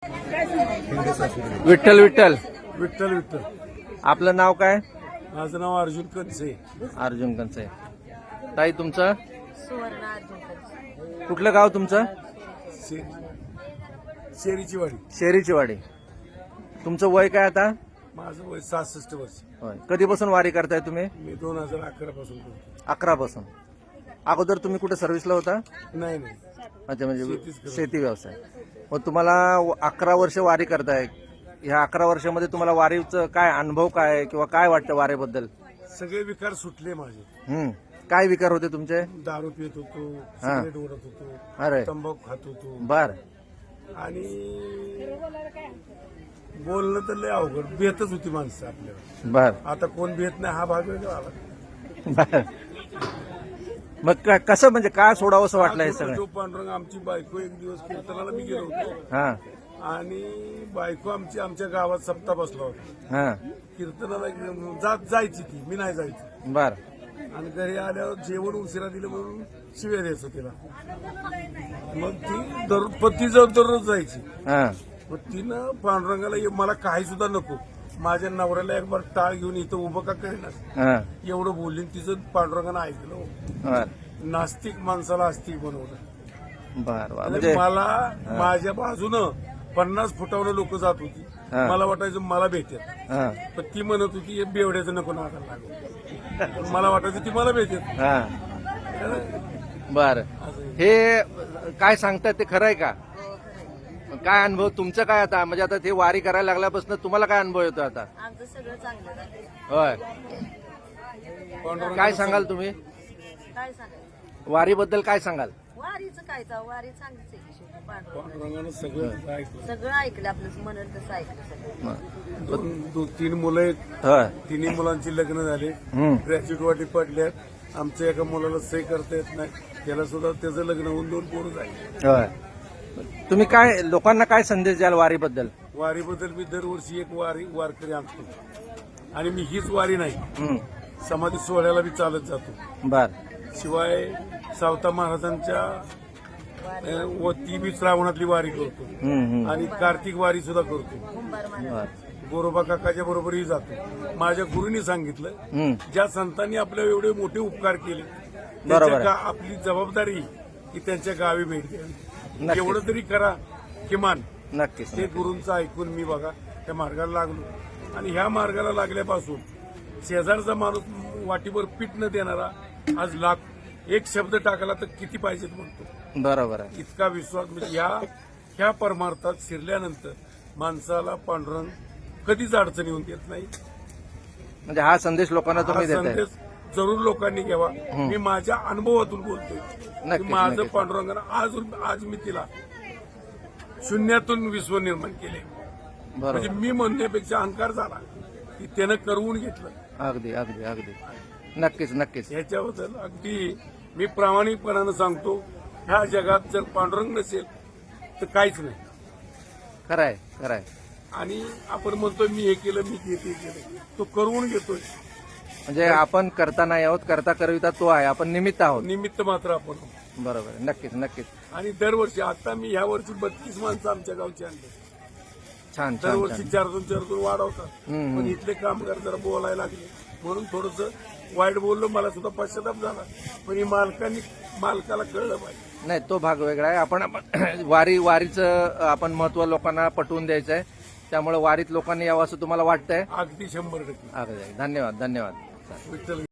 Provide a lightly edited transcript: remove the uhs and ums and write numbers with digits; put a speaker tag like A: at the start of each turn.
A: विठ्ठल विठ्ठल
B: विठ्ठल विठ्ठल.
A: आपलं नाव काय?
B: माझं नाव अर्जुन कनसे.
A: अर्जुन कंचे. ताई तुमचं?
C: सुवर्ण अर्जुन कंचे.
A: कुठलं गाव तुमचं?
B: शेरीची वाडी.
A: शेरीची वाडी. तुमचं वय काय आता?
B: माझं वय 66 वर्ष.
A: होय. कधीपासून वारी करताय तुम्ही?
B: मी 2011 पासून करतो.
A: 11 पासून. अगोदर तुम्ही कुठे सर्व्हिसला होता?
B: नाही नाही,
A: अच्छा, म्हणजे
B: शेतीच करत.
A: शेती व्यवसाय. मग तुम्हाला 11 वर्ष वारी करताय. ह्या 11 वर्षामध्ये तुम्हाला वारीचं काय अनुभव काय आहे किंवा काय वाटतं वारीबद्दल?
B: सगळे विकार सुटले माझे.
A: काय विकार होते तुमचे?
B: दारू पित होतो,
A: हा.
B: सिगरेट ओढत होतो,
A: अरे
B: तंबाखू खात होतो
A: बर
B: आणि बोलणं तर लय अवघड. भेटच होती माणसं आपल्याला.
A: बर
B: आता कोण भेट नाही, हा भाग वेगळा आला.
A: बर. मग कसं म्हणजे काय सोडावं असं वाटलं हे सगळं?
B: तो पांडुरंग आमची बायको एक दिवस कीर्तनाला मी गेलो होतो
A: हा
B: आणि बायको आमची आमच्या गावात सप्ताह बसला होता.
A: हा
B: कीर्तनाला जायची ती, मी नाही जायची.
A: बर
B: आणि घरी आल्यावर जेवण उशिरा दिलं म्हणून शिव्या द्यायचं तिला. मग ती पती दररोज जायची.
A: हा
B: मग तिनं पांडुरंगाला मला काही सुद्धा नको, माझ्या नवऱ्याला एक बार टाळ घेऊन इथं उभं का करेनास
A: हा
B: एवढं बोलली. तिचं पांडुरंगानं ऐकलं.
A: बर
B: नास्तिक माणसाला आस्तिक बनवलं.
A: बर बर.
B: आणि
A: म्हणजे
B: मला माझ्या बाजूनं 50 फुटावर लोक जात होती.
A: हा.
B: मला वाटायचं मला भेटेल,
A: हा
B: पण ती म्हणत होती हे बेवड्याचं नको नाकाला लागू. मला वाटायचं ती मला भेटेल.
A: हा बर. हे काय सांगतात ते खरं आहे का? काय अनुभव तुमचं काय आता? म्हणजे आता ते वारी करायला लागल्यापासून तुम्हाला काय अनुभव येतो आता?
C: आमचं सगळं चांगलं झालं.
A: होय.
B: पांडुरंगानं
A: काय सांगाल तुम्ही
C: काय सांगायचं?
A: वारीबद्दल? काय सांगाल?
C: वारीचं काय वारी चांगलीच आहे की शेवटी. पांडुरंग
B: पांडुरंगानं सगळं ऐकलं.
C: सगळं ऐकलं, आपलं म्हणत तसं ऐकलं सगळं.
B: 3 मुलं आहेत.
A: होय.
B: तिन्ही मुलांची लग्न झाले, ग्रॅज्युएट वाटी पडल्यात. आमच्या एका मुलाला सही करता येत नाही, त्याला सुद्धा त्याचं लग्न होऊन 2 पोरं झाली.
A: होय. तुम्ही काय लोकांना काय संदेश द्याल वारीबद्दल?
B: वारीबद्दल मी दरवर्षी एक वारकरी आणतो आणि मी हीच वारी नाही, समाधी सोहळ्याला बी चालत जातो.
A: बर
B: शिवाय सावता महाराजांच्या ती बी श्रावणातली वारी करतो आणि कार्तिक वारी सुद्धा करतो.
C: कुंभार महाराज.
A: बर
B: गोरोबा काकाच्या बरोबरही जातो. माझ्या गुरुनी सांगितलं, ज्या संतांनी आपल्या एवढे मोठे उपकार केले,
A: बरोबर आहे.
B: आपली जबाबदारी की त्यांच्या गावी भेट द्यावी.
A: नक्कीच.
B: एवढं तरी करा किमान.
A: नक्कीच.
B: ते गुरूंचं ऐकून मी बघा त्या मार्गाला लागलो आणि ह्या मार्गाला लागल्यापासून शेजारचा माणूस वाटीवर पीठ न देणारा आज एक शब्द टाकला तर किती पाहिजेत म्हणतो.
A: बरोबर आहे.
B: इतका विश्वास. म्हणजे ह्या परमार्थात शिरल्यानंतर माणसाला पांडुरंग कधीच अडचण येऊन देत नाही.
A: म्हणजे हा संदेश लोकांना
B: हा
A: तुम्ही देताय.
B: संदेश जरूर लोकांनी घ्यावा. मी माझ्या अनुभवातून बोलतोय.
A: नक्कीच,
B: माझं
A: नक्कीच.
B: पांडुरंगानं आज मी तिला शून्यातून विश्व निर्माण केले. म्हणजे
A: बरोबर.
B: मी म्हणण्यापेक्षा अहंकार झाला की त्यानं करवून घेतलं.
A: अगदी अगदी अगदी. नक्कीच नक्कीच.
B: ह्याच्याबद्दल अगदी मी प्रामाणिकपणानं सांगतो, ह्या जगात जर पांडुरंग नसेल तर काहीच नाही.
A: खरं आहे खरं आहे.
B: आणि आपण म्हणतोय मी हे केलं, मी ते केलं, तो करवून घेतोय.
A: म्हणजे आपण करता नाही आहोत, करता करविता तो आहे. आपण निमित्त आहोत.
B: निमित्त मात्र आपण.
A: बरोबर आहे. नक्कीच नक्कीच.
B: आणि दरवर्षी आता मी ह्या वर्षी 32 माणसं आमच्या गावची आणली.
A: छान छान
B: दरवर्षी
A: छान.
B: 4-2 वाढवतात. पण इथले कामगार जरा बोलायला लागले म्हणून थोडंसं वाईट बोललो. मला सुद्धा पश्चाताप झाला, पण ही मालकाला कळलं पाहिजे.
A: नाही, तो भाग वेगळा आहे. आपण वारीचं आपण महत्व लोकांना पटवून द्यायचं आहे. त्यामुळे वारीत लोकांनी यावं असं तुम्हाला वाटतंय?
B: अगदी 100%.
A: अगदी. धन्यवाद धन्यवाद.
B: विठ्ठल